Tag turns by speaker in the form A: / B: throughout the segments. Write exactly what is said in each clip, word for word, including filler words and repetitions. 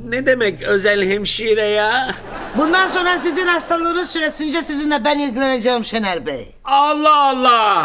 A: ne demek özel hemşire ya?
B: Bundan sonra sizin hastalığınız süresince sizinle ben ilgileneceğim Şener Bey.
A: Allah Allah!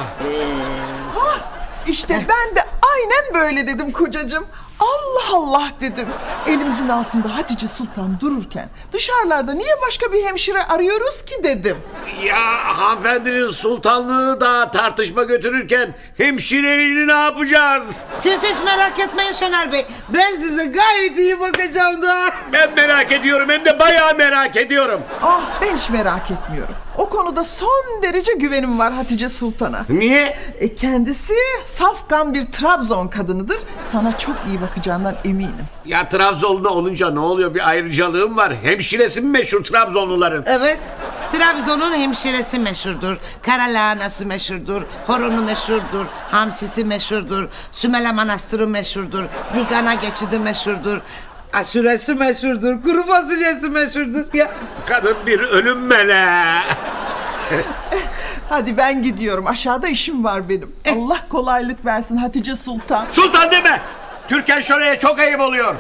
C: İşte ben de aynen böyle dedim kocacığım. Allah Allah dedim. Elimizin altında Hatice Sultan dururken dışarılarda niye başka bir hemşire arıyoruz ki dedim.
A: Ya hanımefendinin sultanlığı da tartışma götürürken hemşireliğini ne yapacağız?
B: Siz hiç merak etmeyin Şener Bey. Ben size gayet iyi bakacağım da.
A: Ben merak ediyorum, hem de bayağı merak ediyorum.
C: Ah ben hiç merak etmiyorum. O konuda son derece güvenim var Hatice Sultan'a.
A: Niye?
C: E, kendisi safkan bir Trabzon kadınıdır. Sana çok iyi bakacağından eminim.
A: Ya Trabzonlu olunca ne oluyor? Bir ayrıcalığım var. Hemşiresi mi meşhur Trabzonluların?
B: Evet. Trabzon'un hemşiresi meşhurdur. Kara lahanası meşhurdur. Horonu meşhurdur. Hamsisi meşhurdur. Sümele Manastırı meşhurdur. Zigana geçidi meşhurdur. Aşuresi meşhurdur. Kuru fasulyesi meşhurdur. Ya.
A: Kadın bir ölüm meleği.
C: Hadi ben gidiyorum. Aşağıda işim var benim. Allah kolaylık versin Hatice Sultan.
A: Sultan deme! Türkan Şoray'a çok ayıp oluyor.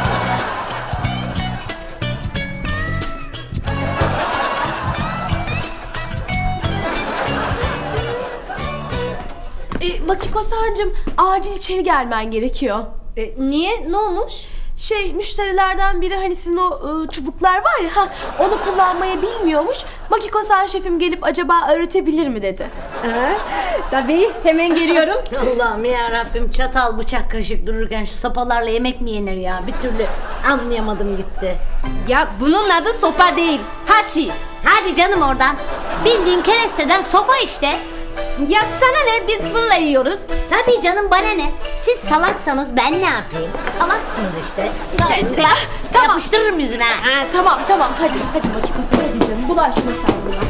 D: E, Makiko Sancım, acil içeri gelmen gerekiyor.
E: E, niye? Ne olmuş?
D: Şey, müşterilerden biri hani sizin o e, çubuklar var ya, ha, onu kullanmayı bilmiyormuş. Makiko San şefim gelip acaba öğretebilir mi dedi.
E: Tabii, hemen geliyorum.
F: Allah'ım ya Rabbim, çatal bıçak kaşık dururken şu sopalarla yemek mi yenir ya? Bir türlü anlayamadım gitti.
E: Ya bunun adı sopa değil, haşi.
F: Hadi canım oradan. Bildiğin keresteden sopa işte.
E: Ya sana ne, biz bununla yiyoruz.
F: Tabii canım, bana ne? Siz salaksanız ben ne yapayım? Salaksınız işte.
D: Sen de- Tamam.
F: Yapıştırırım yüzüne.
D: Ha, tamam tamam, hadi hadi Makiko San, hadi canım, bulaşma sen buna.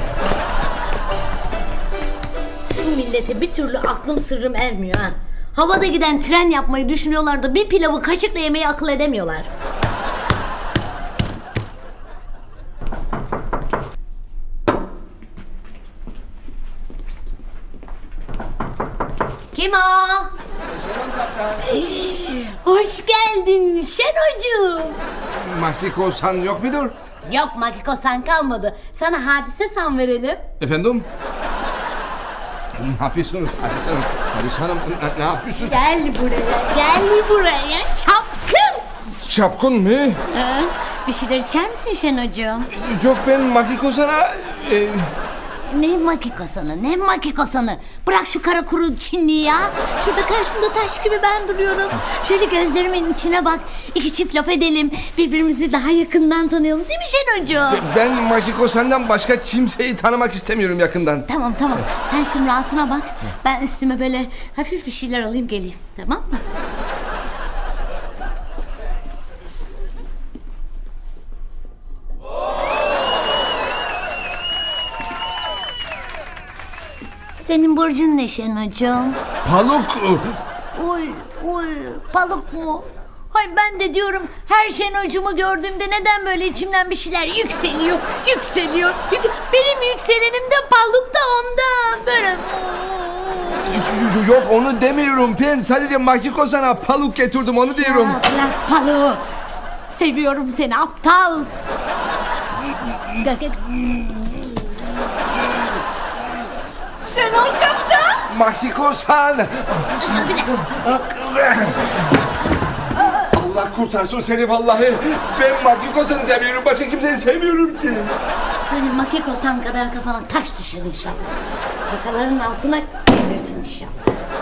F: Şu millete bir türlü aklım sırrım ermiyor ha. Havada giden tren yapmayı düşünüyorlar da bir pilavı kaşıkla yemeyi akıl edemiyorlar. Kim o? Hoş geldin Şenocuğum.
G: Makiko San yok mudur?
F: Yok, Makiko San kalmadı. Sana Hadise San verelim.
G: Efendim? Ne yapıyorsunuz Hadise Hanım? Hadise Hanım ne, ne yapıyorsunuz?
F: Gel buraya, gel buraya çapkın.
G: Çapkın mı?
F: Ha, bir şeyler içer misin Şenocuğum?
G: Yok, ben Makiko San'a... E,
F: Ne Makiko San'ı, ne Makiko San'ı? Bırak şu kara kuru Çinliyi ya. Şurada karşında taş gibi ben duruyorum. Şöyle gözlerimin içine bak. İki çift laf edelim. Birbirimizi daha yakından tanıyalım, değil mi Şenocuğum?
G: ben Makiko San'dan başka kimseyi tanımak istemiyorum yakından.
F: Tamam tamam. Sen şimdi rahatına bak. Ben üstüme böyle hafif bir şeyler alayım geleyim. Tamam mı? Senin burcun ne Şenocuğum?
G: Paluk.
F: Uy uy, balık mu? Hay ben de diyorum, her Şenocuğumu gördüğümde neden böyle içimden bir şeyler yükseliyor, yükseliyor. Benim yükselenim de balık da ondan. Böyle...
G: Yok, onu demiyorum. Ben sadece Makiko San'a paluk getirdim, onu diyorum.
F: Ya bırak balığı. Seviyorum seni aptal. Sen ol kaptan.
G: Makiko San. Allah kurtarsın seni vallahi. Ben Makiko San'ı seviyorum. Başka kimseyi sevmiyorum ki.
F: Benim Makiko San kadar kafana taş düşer inşallah. Yakaların altına gelirsin inşallah.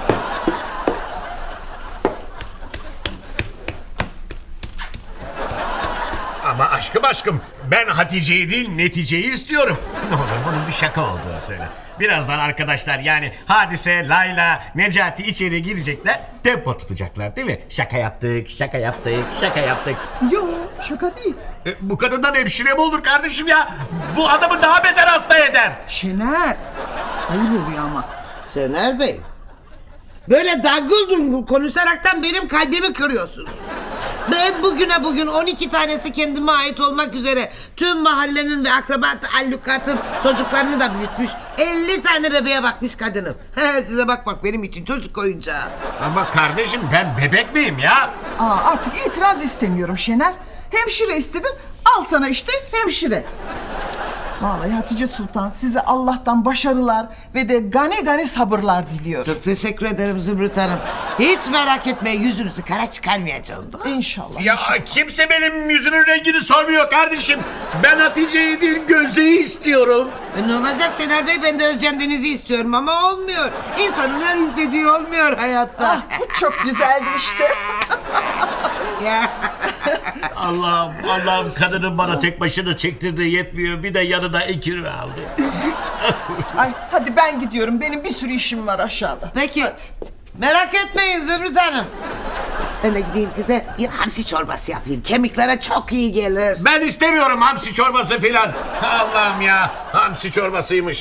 A: Ama aşkım aşkım, ben Hatice'yi değil neticeyi istiyorum. Ne olur bunun bir şaka olduğunu söyle. Birazdan arkadaşlar, yani Hadise, Layla, Necati içeri girecekler, tempo tutacaklar değil mi? Şaka yaptık, şaka yaptık, şaka yaptık.
C: Yo, şaka değil.
A: E, bu kadından hemşire mi olur kardeşim ya? Bu adamı daha beter hasta eder.
C: Şener. Ayıp oluyor ama.
B: Şener Bey. Böyle dangıl dungul konuşaraktan benim kalbimi kırıyorsunuz. Ben bugüne bugün on iki tanesi kendime ait olmak üzere tüm mahallenin ve akraba taallukatın çocuklarını da büyütmüş, elli tane bebeğe bakmış kadınım. Size bakmak benim için çocuk oyuncağı.
A: Ama kardeşim, ben bebek miyim ya?
C: Aa, artık itiraz istemiyorum Şener. Hemşire istedin, al sana işte hemşire. Vallahi Hatice Sultan size Allah'tan başarılar ve de gani gani sabırlar diliyorum.
B: Çok teşekkür ederim Zümrüt Hanım. Hiç merak etmeyin, yüzünüzü kara çıkarmayacağım da.
C: İnşallah.
A: Ya
C: inşallah.
A: kimse benim yüzünün rengini sormuyor kardeşim. Ben Hatice'yi değil Gözde'yi istiyorum.
B: E ne olacak Şener Bey, ben de Özcan Deniz'i istiyorum ama olmuyor. İnsanın her istediği olmuyor hayatta.
C: Ah, bu çok güzeldi işte.
B: Ya.
A: Allah'ım Allah'ım kadının bana tek başına çektirdiği yetmiyor. Bir de yanına ikili aldı.
C: Ay hadi ben gidiyorum. Benim bir sürü işim var aşağıda.
B: Peki. Merak etmeyin Zümrüt Hanım. Ben de gideyim size bir hamsi çorbası yapayım. Kemiklere çok iyi gelir.
A: Ben istemiyorum hamsi çorbası filan. Allah'ım ya hamsi çorbasıymış.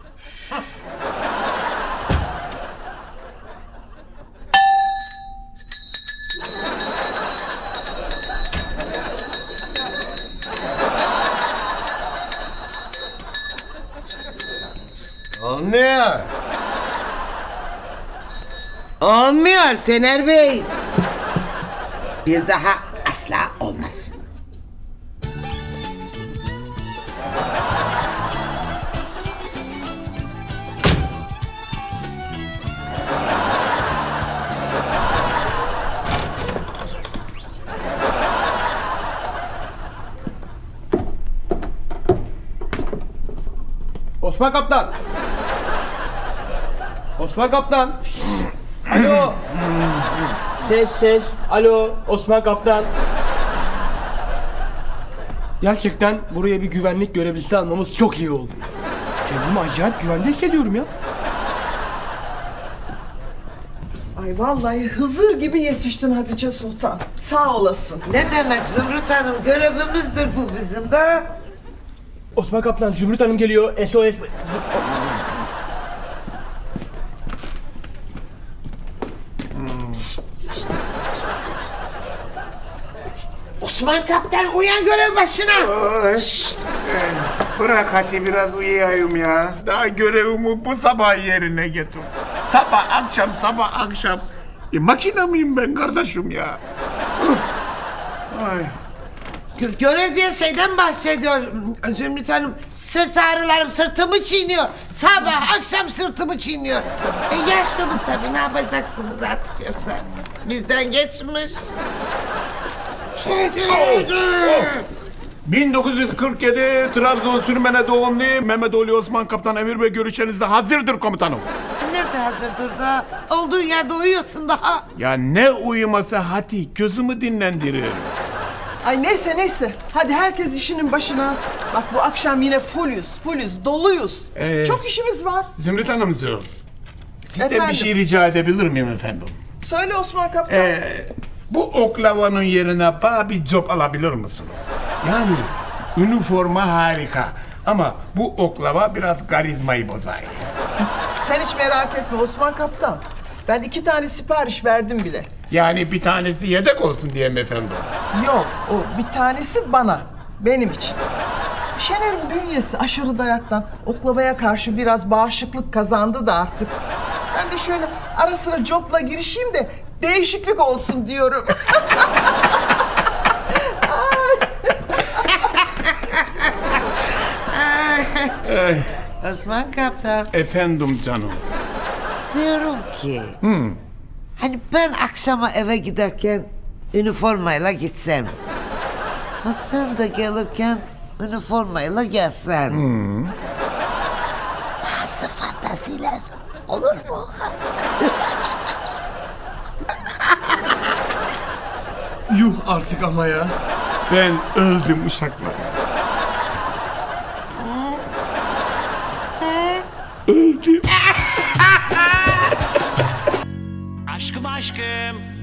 B: Olmuyor. Olmuyor Şener Bey. Bir daha asla olmaz.
H: Osman Kaptan. Osman Kaptan. Alo. Ses ses. Alo Osman Kaptan. Gerçekten buraya bir güvenlik görevlisi almamız çok iyi oldu. Kendimi acayip güvende hissediyorum ya.
C: Ay vallahi Hızır gibi yetiştin Hatice Sultan. Sağ olasın.
B: Ne demek Zümrüt Hanım, görevimizdir bu bizim de.
H: Osman Kaptan, Zümrüt Hanım geliyor. S O S.
B: Osman Kaptan uyan, görev başına.
I: Ay, bırak hadi biraz uyuyayım ya. Daha görevimi bu sabah yerine getir. Sabah akşam sabah akşam. E, makine miyim ben kardeşim ya? Ay.
B: Gö- Görev diye şeyden bahsediyor Zümrüt Hanım. Sırt ağrılarım sırtımı çiğniyor. Sabah akşam sırtımı çiğniyor. E yaşlılık tabii, ne yapacaksınız artık, yoksa bizden geçmiş.
I: bin dokuz yüz kırk yedi Trabzon Sürmene doğumlu Mehmet Ali Osman Kaptan emir ve görüşlerinize hazırdır komutanım.
B: Nerede hazırdır da? Olduğun yerde uyuyorsun daha.
I: Ya ne uyuması hadi gözümü dinlendirir.
C: Ay neyse neyse. Hadi herkes işinin başına. Bak bu akşam yine fullüz, fullüz, doluyuz.
I: Ee,
C: Çok işimiz var.
I: Zümrüt Hanımcığım. Sizden
C: Efendim?
I: bir şey rica edebilir miyim efendim?
C: Söyle Osman Kaptan.
I: Ee, bu oklavanın yerine bana bir job alabilir misiniz? Yani üniforma harika ama bu oklava biraz karizmayı bozar.
C: Sen hiç merak etme Osman Kaptan. Ben iki tane sipariş verdim bile.
I: Yani bir tanesi yedek olsun diye mi efendim?
C: Yok, o bir tanesi bana, benim için. Şener'in bünyesi aşırı dayaktan oklavaya karşı biraz bağışıklık kazandı da artık. Ben de şöyle ara sıra copla girişeyim de değişiklik olsun diyorum.
B: Osman Kaptan,
I: Efendim canım.
B: diyorum ki... Hani ben akşama eve giderken üniformayla gitsem. Ha sen de gelirken üniformayla gelsen. Bazı fantaziler olur mu?
H: Yuh artık ama ya.
I: Ben öldüm uşaklar. Öldüm.
A: Aşkım aşkım.